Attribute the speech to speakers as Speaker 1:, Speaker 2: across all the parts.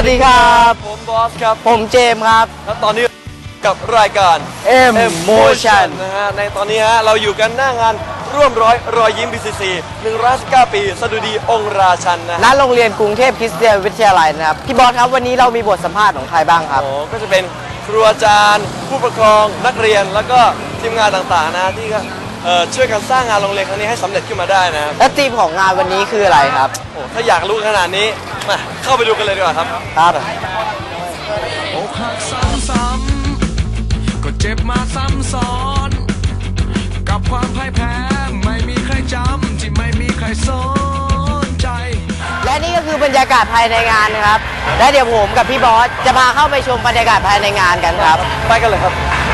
Speaker 1: ดีครับ
Speaker 2: ผมบอสครับ
Speaker 1: ผมเจมส์ครับ
Speaker 2: และตอนนี้กับรายการ
Speaker 1: Emotion
Speaker 2: นะฮะในตอนนี้ฮะเราอยู่กันหน้างานร่วมรอยยิ้ม BCC 119 ปีสดุดีองค์ราชันนะ
Speaker 1: ณโรงเรียนกรุงเทพคริสเตียนวิทยาลัยนะครับพี่บอสครับวันนี้เรามีบทสัมภาษณ์ของใครบ้างครับ
Speaker 2: ก็จะเป็นครูอาจารย์ผู้ปกครองนักเรียนแล้วก็ทีมงานต่างๆนะที่ช่วยกันสร้างงานโรงเรียนครั้งนี้ให้สำเร็จขึ้นมาได้นะครับ
Speaker 1: และธีมของงานวันนี้คืออะไรครับ
Speaker 2: ถ้าอยากรู้ขนาดนี้มาเข้าไปดูกันเลยดีกว่าครับ
Speaker 1: ครับ
Speaker 3: อกหักซ้ำๆก็เจ็บมาซ้ำซ้อนกับความพ่ายแพ้ไม่มีใครจำที่ไม่มีใครสนใจ
Speaker 1: และนี่ก็คือบรรยากาศภายในงานนะครับและเดี๋ยวผมกับพี่บอสจะพาเข้าไปชมบรรยากาศภายในงานกันครับ
Speaker 2: ไปกันเลยครับ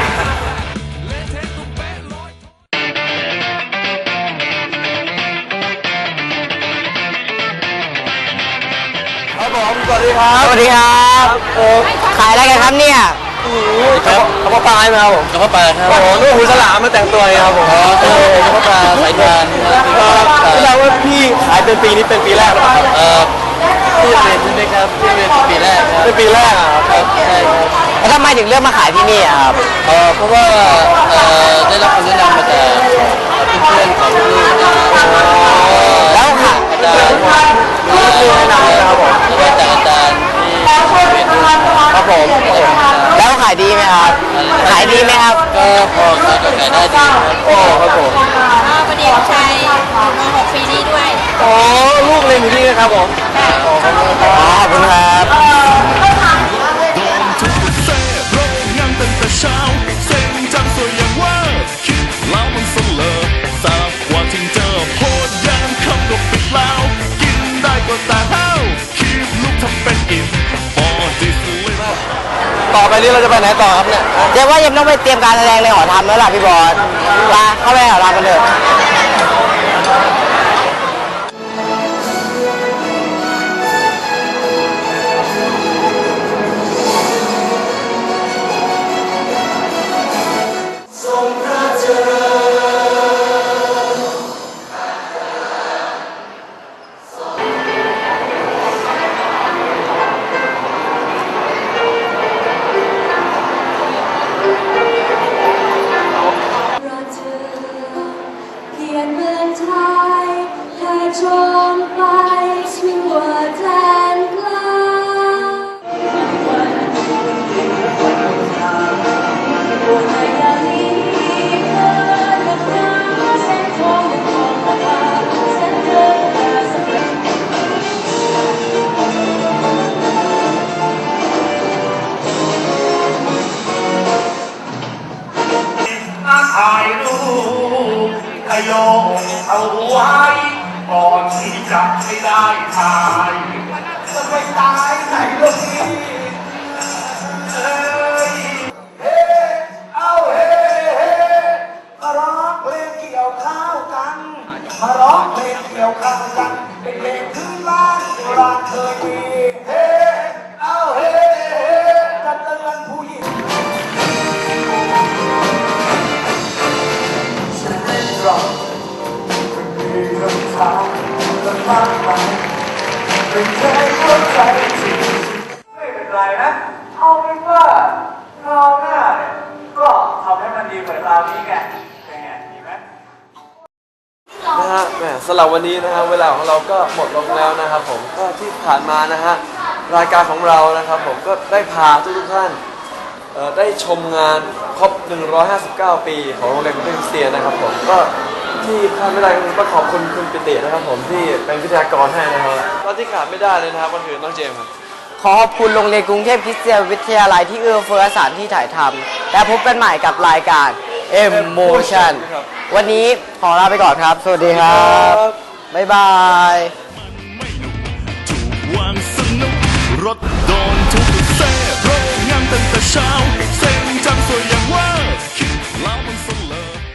Speaker 2: ผมสวัสดีครับ
Speaker 1: สวัสดีครับขายอะไรกันครับเนี่ย
Speaker 2: กระเพาะปลาไหมครับผม
Speaker 1: กระเพาะปลาครับ
Speaker 2: โอ้โหลูกหูฉลามมาแต่งตัวครับผม
Speaker 1: กระเพาะปลาสายทาน
Speaker 2: แสดงว่าพี่ขายเป็นปีนี้เป็นปีแรกหรือเปล่า
Speaker 1: พี่เรียนใช่ไหมครับพี่เรียนปีแรกครับ
Speaker 2: เป็นปีแรก
Speaker 1: ครับใช่ครับแล้วทำไมถึงเลือกมาขายที่นี่ครับเพราะว่าได้รับคำแนะนำมาจากเพื่อนๆของลูกแล้วค่ะอาจารย์
Speaker 2: ลูกแนะนำนะครับผม
Speaker 1: แล้วก็จากอาจารย์ที่เป็นครับผมแล้วขายดีไหมครับขายดีไหมครับก็พอขายได้ดีครับ
Speaker 2: โอ้ครับผม
Speaker 4: พอดีของชายม.6 ปีนี้ด้วย
Speaker 2: อ๋อลูกเรียนอยู่นี่นะครับผม
Speaker 1: ขอบคุณครับ
Speaker 3: โดนทุกเซ่โรงงานตั้งแต่เช้าเส้นจังสวยอย่างว่าคิดแล้วมันเสลอทราบว่าถึงเจอโพดยางคำก็ปิดแล้วกินได้ก็แต่ห้าวคีบลูกทำเป็นอิ่มพอดิสเลย
Speaker 2: ต่อไปนี้เราจะไปไหนต่อครับเนี่ย
Speaker 1: เดี๋ยวว่ายังต้องไปเตรียมการแสดงในหอธรรมแล้วล่ะพี่บอลมาเข้าไปหอธรรมกันเถอะ
Speaker 4: จงไปทั่วแดนไกล
Speaker 5: ถ่ายรูปขยงเอาไว้ก่อนที่จะไม่ได้ถ่ายจะไปตายไหนลูกนี้เฮ้ยเฮ้เอาเฮ้เฮ้มาร้องเพลงเกี่ยวข้าวกันมาร้องเพลงเกี่ยวข้าวกันเป็นเพลงพื้นบ้านโบราณเคยมีเฮ้เอาเฮ้เฮ้จะเตือนผู้หญิงฉันเป็นรองไม่เป็นไรนะเอาเป็นว่าคราวหน้าเนี่ยก็ทำให้มันดีเหมือนคราวนี้ไงเป็นไงดีไหม
Speaker 2: นะฮะแหมสำหรับวันนี้นะฮะเวลาของเราก็หมดลงแล้วนะครับผมก็ที่ผ่านมานะฮะรายการของเรานะครับผมก็ได้พาทุกท่านได้ชมงานครบ159 ปีของโรงเรียนกรุงเทพคริสเตียนนะครับผมก็ที่ขาดไม่ได้ก็คือต้องขอบคุณคุณปิตินะครับผมที่เป็นวิทยากรให้นะครับแล้วที่ขาดไม่ได้เลยนะครับก็คือน้องเจมส์ครับ
Speaker 1: ขอขอบคุณโรงเรียนกรุงเทพคริสเตียนวิทยาลัยที่เอื้อเฟื้อสถานที่ถ่ายทำและพบกันใหม่กับรายการ Emotion วันนี้ขอลาไปก่อนครับสวัสดีครับบ๊ายบาย
Speaker 3: ถูกวางสนุกรถโดนทุกเซ่โรงงานตั้งแต่เช้าเส้นจังสวยอย่างว่าคิด